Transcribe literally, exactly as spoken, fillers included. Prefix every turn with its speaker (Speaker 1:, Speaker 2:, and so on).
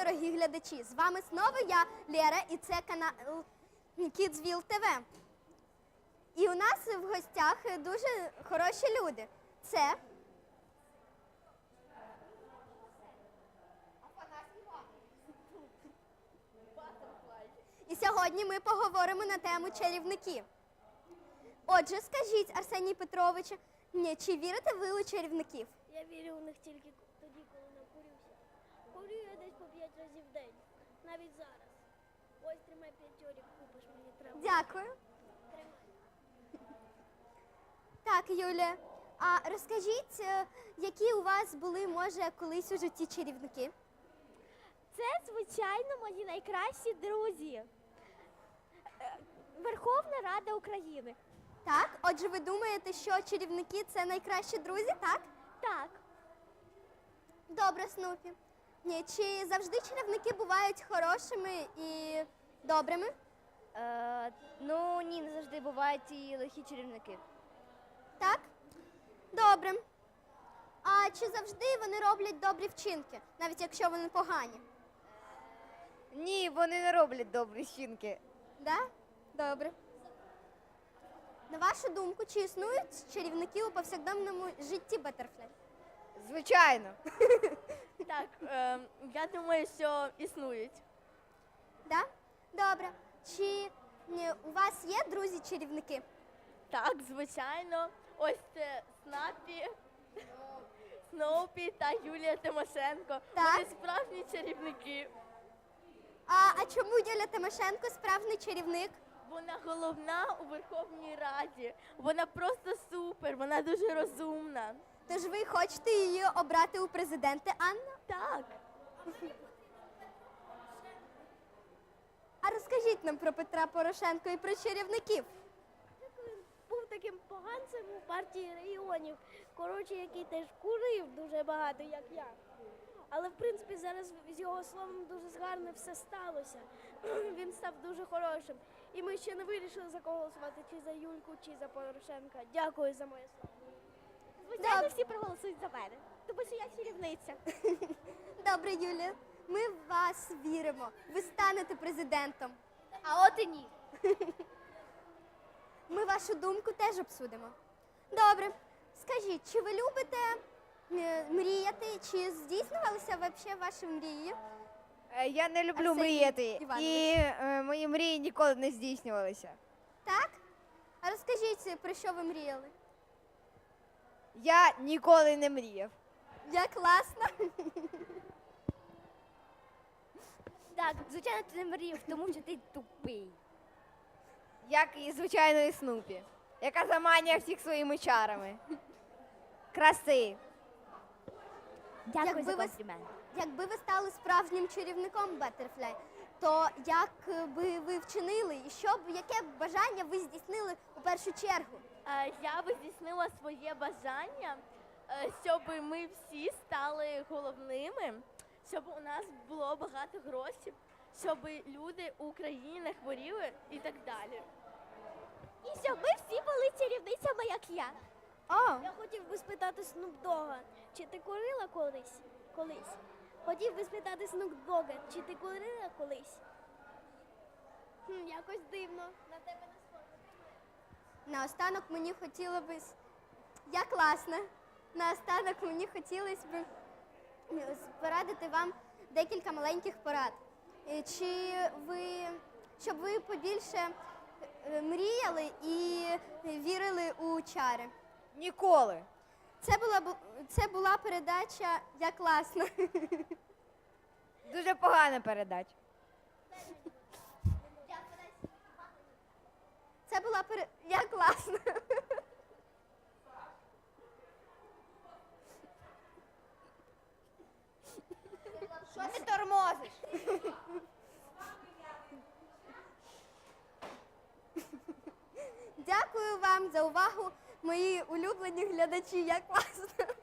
Speaker 1: дорогі глядачі! З вами знову я, Лера, і це канал Kidsville ТВ. І у нас в гостях дуже хороші люди. Це і сьогодні ми поговоримо на тему чарівників. Отже, скажіть, Арсеній Петрович, ні, чи вірите ви у чарівників?
Speaker 2: Я вірю у них тільки тоді, коли накурюся. Курю я десь по п'ять разів в день, навіть зараз. Ось тримай п'ятьорік, купиш мені треба.
Speaker 1: Дякую.
Speaker 2: Тримай.
Speaker 1: Так, Юля, а розкажіть, е, які у вас були, може, колись у житті чарівники?
Speaker 2: Це, звичайно, мої найкращі друзі. Е, Верховна Рада України.
Speaker 1: Так, отже, ви думаєте, що чарівники – це найкращі друзі, так?
Speaker 2: Так.
Speaker 1: Добре, Снупі. Ні, чи завжди чарівники бувають хорошими і добрими?
Speaker 3: Е, ну, ні, не завжди бувають і лихі чарівники.
Speaker 1: Так? Добре. А чи завжди вони роблять добрі вчинки, навіть якщо вони погані?
Speaker 3: Ні, вони не роблять добрі вчинки.
Speaker 1: Да? Добре. На вашу думку, чи існують чарівники у повсякденному житті Баттерфляй?
Speaker 3: Звичайно.
Speaker 2: Так, е, я думаю, що існують.
Speaker 1: Да? Добре. Чи ні, у вас є друзі-чарівники?
Speaker 2: Так, звичайно. Ось це Снапі, Сноупі та Юлія Тимошенко.
Speaker 1: Так.
Speaker 2: Вони справжні чарівники.
Speaker 1: А, а чому Юля Тимошенко справжній чарівник?
Speaker 2: Вона головна у Верховній Раді. Вона просто супер, вона дуже розумна.
Speaker 1: Тож ви хочете її обрати у президенти, Анна?
Speaker 2: Так.
Speaker 1: А розкажіть нам про Петра Порошенка і про чарівників.
Speaker 2: Він був таким поганцем у партії регіонів, коротше, який теж курив дуже багато, як я. Але, в принципі, зараз з його словом дуже гарно все сталося. Він став дуже хорошим. І ми ще не вирішили, за кого голосувати, чи за Юльку, чи за Порошенка. Дякую за моє слово. Звичайно, всі проголосують за мене, тому що я чарівниця.
Speaker 1: Добре, Юлія, ми в вас віримо. Ви станете президентом.
Speaker 3: А от і ні.
Speaker 1: Ми вашу думку теж обсудимо. Добре. Скажіть, чи ви любите е, мріяти, чи здійснювалися взагалі ваші мрії?
Speaker 3: Е, Я не люблю
Speaker 1: Арсеній
Speaker 3: мріяти,
Speaker 1: Іванович.
Speaker 3: і е, мої мрії ніколи не здійснювалися.
Speaker 1: Так? А розкажіть, про що ви мріяли?
Speaker 3: Я ніколи не мріяв.
Speaker 1: Як класно.
Speaker 3: Так, звичайно, ти не мріяв, тому що ти тупий. Як і, звичайно, і Снупі, яка заманює всіх своїми чарами. Краси.
Speaker 1: Дякую Якби за ви-
Speaker 3: комплімент.
Speaker 1: Якби ви стали справжнім чарівником Баттерфляй, то як би ви вчинили і що б, яке б бажання ви здійснили у першу чергу?
Speaker 2: Е, Я би здійснила своє бажання, е, щоб ми всі стали головними, щоб у нас було багато грошей, щоб люди у Україні не хворіли і так далі. І щоб ми всі були чарівницями, як я.
Speaker 1: О,
Speaker 2: Я хотів би спитати Снупдога, чи ти курила колись? Колись. Хотів би спитати Снупдога, чи ти курила колись? Хм, якось дивно. На тебе не схоже.
Speaker 1: наостанок мені хотіло би... с- Я класна. Наостанок мені хотілося б е, порадити вам декілька маленьких порад. Е, Чи ви, щоб ви побільше е, мріяли і вірили у чари.
Speaker 3: Ніколи.
Speaker 1: Це була, бу- це була передача «Я класна».
Speaker 3: Дуже погана передача.
Speaker 1: Це була пере... «Я класна».
Speaker 3: Що ти тормозиш?
Speaker 1: Дякую вам за увагу, мої улюблені глядачі. «Я класна».